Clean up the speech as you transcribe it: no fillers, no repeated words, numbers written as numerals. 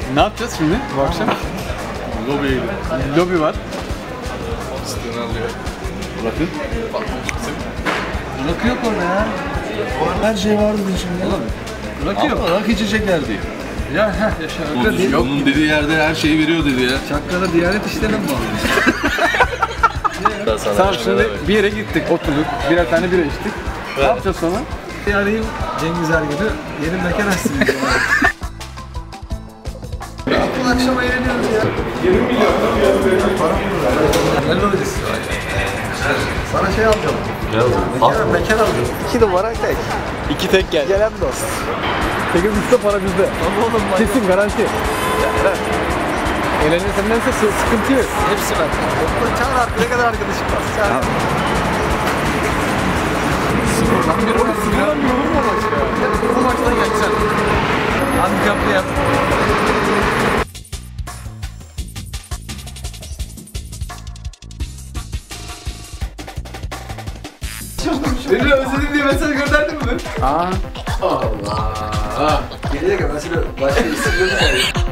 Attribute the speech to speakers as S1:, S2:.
S1: Ne yapacağız şimdi bu akşam?
S2: Lobiye gidelim.
S1: Lobi var.
S2: Siteni alıyor. Bakın.
S1: Rakı yok orada ya.
S2: Her şey vardı şimdi.
S1: Rakı yok.
S2: Ama rakı içecekler diyor.
S1: Ya yaşa. Rakı değil.
S2: Onun dediği yerde her şeyi veriyor dedi ya.
S1: Çakkala Diyanet İşleri'ne mi bağlı? Tamam şimdi bir yere gittik, oturduk, birer tane bira içtik. Ne yapacağız sonra?
S3: Arayayım Cengiz Ergün'ü, yeni mekan açsın. Bu akşam eğleniyoruz ya.
S1: 20 milyon.
S3: Ne lobisi? Sana şey alacağım. Mekan alacağım. 2 numara tek.
S1: 2 tek geldi.
S3: Gelen dost.
S1: 8 üstte para bizde.
S3: Ama oğlum bak.
S1: Kesin garanti. Eğlenirsendense sıkıntı yok.
S3: Hepsi ben. Çağır artık ne kadar arkadaşım var. Çağır.
S1: Sıfırdan bir olur. Sıfırdan bir olur mu maç ya? Bu maçtan geçeceksin.
S3: Handikaplı yap.
S1: Beni özledim diye mesaj gönderdin mi? Aa.
S3: Allah. Geriye gel. Mesela başka isim yok.